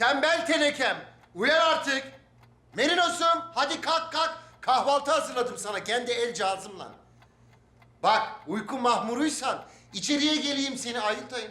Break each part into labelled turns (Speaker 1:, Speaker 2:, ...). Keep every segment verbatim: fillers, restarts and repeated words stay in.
Speaker 1: Tembel tenekem. Uyan artık. Merinos'um hadi kalk kalk. Kahvaltı hazırladım sana kendi el cihazımla. Bak uyku mahmuruysan içeriye geleyim seni ayıltayım.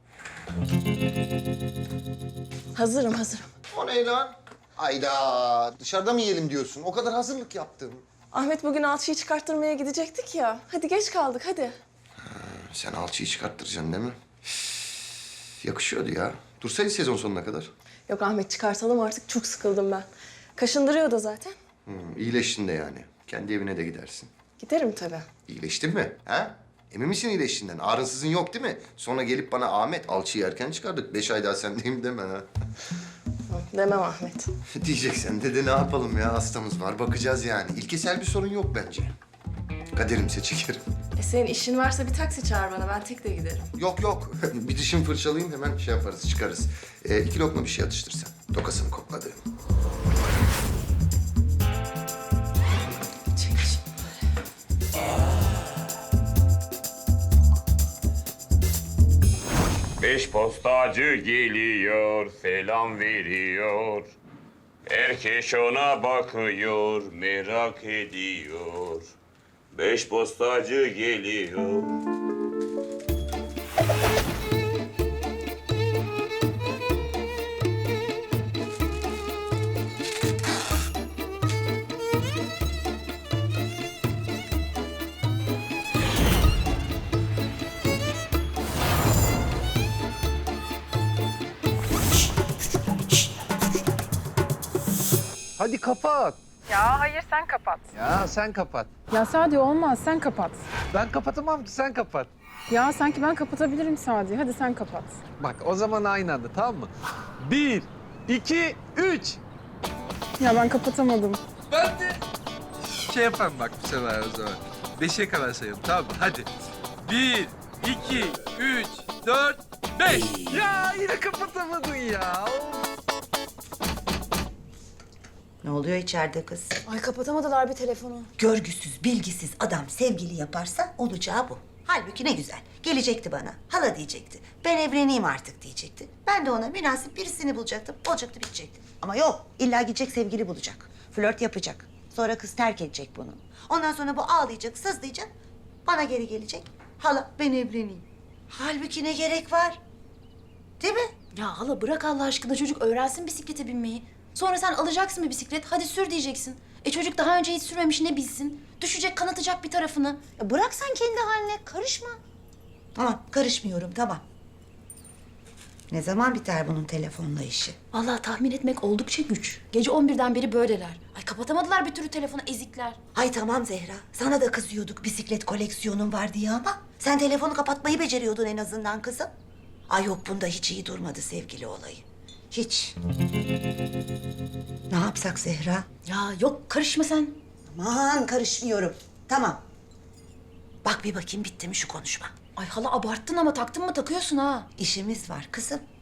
Speaker 2: Hazırım, hazırım.
Speaker 1: O ne lan? Ayda dışarıda mı yiyelim diyorsun? O kadar hazırlık yaptım.
Speaker 2: Ahmet bugün alçıyı çıkarttırmaya gidecektik ya. Hadi geç kaldık, hadi.
Speaker 1: Sen alçıyı çıkarttıracaksın değil mi? Üf, yakışıyordu ya. Dursaydı sezon sonuna kadar.
Speaker 2: Yok Ahmet, çıkartalım artık. Çok sıkıldım ben. Kaşındırıyor da zaten.
Speaker 1: Hmm, iyileştin de yani. Kendi evine de gidersin.
Speaker 2: Giderim tabii.
Speaker 1: İyileştin mi? Ha? Emin misin iyileştiğinden? Ağrınsızın yok değil mi? Sonra gelip bana Ahmet alçıyı erken çıkardık. Beş ay daha sendeyim deme ha.
Speaker 2: Demem Ahmet.
Speaker 1: Diyeceksen de, de ne yapalım ya? Hastamız var. Bakacağız yani. İlkesel bir sorun yok bence. Kaderimse çekerim.
Speaker 2: E senin işin varsa bir taksi çağır bana. Ben tek de giderim.
Speaker 1: Yok yok. Bir dişimi fırçalayayım hemen şey yaparız, çıkarız. Ee, iki lokma bir şey atıştır sen. Tokasını kokladı.
Speaker 2: Çek şimdi böyle.
Speaker 3: Beş postacı geliyor, selam veriyor. Herkes ona bakıyor, merak ediyor. Beş postacı geliyor.
Speaker 4: Hadi kapat.
Speaker 5: Ya hayır sen kapat.
Speaker 4: Ya sen kapat.
Speaker 5: Ya Sadi olmaz sen kapat.
Speaker 4: Ben kapatamam ki sen kapat.
Speaker 5: Ya sanki ben kapatabilirim Sadi. Hadi sen kapat.
Speaker 4: Bak o zaman aynı anda tamam mı? Bir, iki, üç.
Speaker 5: Ya ben kapatamadım.
Speaker 4: Ben de. Şey yapalım bak bu sefer o zaman. Beşe kadar sayalım tamam mı? Hadi. Bir, iki, üç, dört, beş. Ya yine kapatamadın ya.
Speaker 6: Ne oluyor içeride kız?
Speaker 2: Ay kapatamadılar bir telefonu.
Speaker 6: Görgüsüz, bilgisiz adam sevgili yaparsa olacağı bu. Halbuki ne güzel. Gelecekti bana. Hala diyecekti. Ben evleneyim artık diyecekti. Ben de ona münasip birisini bulacaktım. Olacaktı, bitecekti. Ama yok. İlla gidecek sevgili bulacak. Flört yapacak. Sonra kız terk edecek bunu. Ondan sonra bu ağlayacak, sızlayacak. Bana geri gelecek. Hala ben evleneyim. Halbuki ne gerek var? Değil mi?
Speaker 7: Ya hala bırak Allah aşkına, çocuk öğrensin bisiklete binmeyi. Sonra sen alacaksın bir bisiklet, hadi sür diyeceksin. E çocuk daha önce hiç sürmemiş, ne bilsin? Düşecek, kanatacak bir tarafını.
Speaker 6: Ya bırak sen kendi haline. Karışma. Tamam, karışmıyorum. Tamam. Ne zaman biter bunun telefonla işi?
Speaker 7: Vallahi tahmin etmek oldukça güç. Gece on birden beri böyleler. Ay kapatamadılar bir türlü telefonu, ezikler.
Speaker 6: Ay tamam Zehra. Sana da kızıyorduk bisiklet koleksiyonun var diye ama sen telefonu kapatmayı beceriyordun en azından kızım. Ay yok, bunda hiç iyi durmadı sevgili olayı. Hiç. Ne yapsak Zehra?
Speaker 7: Ya yok, karışma sen.
Speaker 6: Aman karışmıyorum. Tamam. Bak bir bakayım bitti mi şu konuşma.
Speaker 7: Ay hala abarttın ama, taktın mı takıyorsun ha.
Speaker 6: İşimiz var kızım.